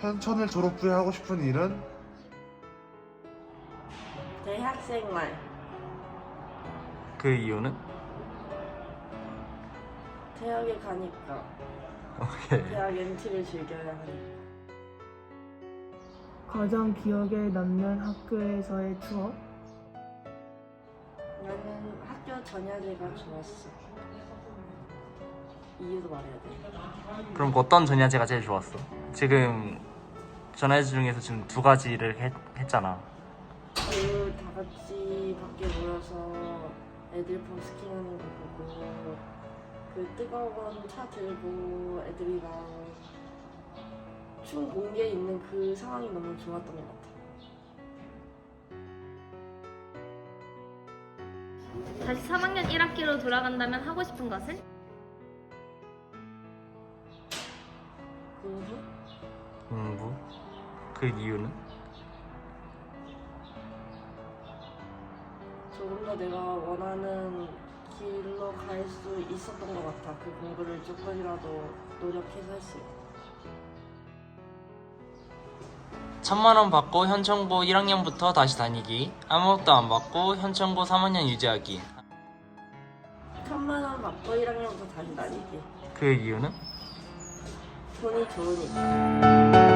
현천을 졸업 후에 하고 싶은 일은? 대학생활. 그 이유는? 대학에 가니까. 오케이. 대학 MT를 즐겨야 하니까. 가장 기억에 남는 학교에서의 추억? 나는 학교 전야제가 좋았어. 이유도 말해야 돼. 그럼 어떤 전야제가 제일 좋았어? 지금 전야제 중에서 지금 두 가지를 했잖아. 그 다 같이 밖에 모여서 애들 버스킹하는 거 보고 그 뜨거운 차 들고 애들이랑 춤 공개에 있는 그 상황이 너무 좋았던 것 같아. 다시 3학년 1학기로 돌아간다면 하고 싶은 것은? 공부? 공부? 그 이유는? 조금 더 내가 원하는 길로 갈 수 있었던 것 같아. 그 공부를 조금이라도 노력해서 했을 때. 1000만원 받고 현천고 1학년부터 다시 다니기, 아무것도 안 받고 현천고 3학년 유지하기. 1000만 원 받고 1학년부터 다시 다니기. 그 이유는? 돈이 좋으니까.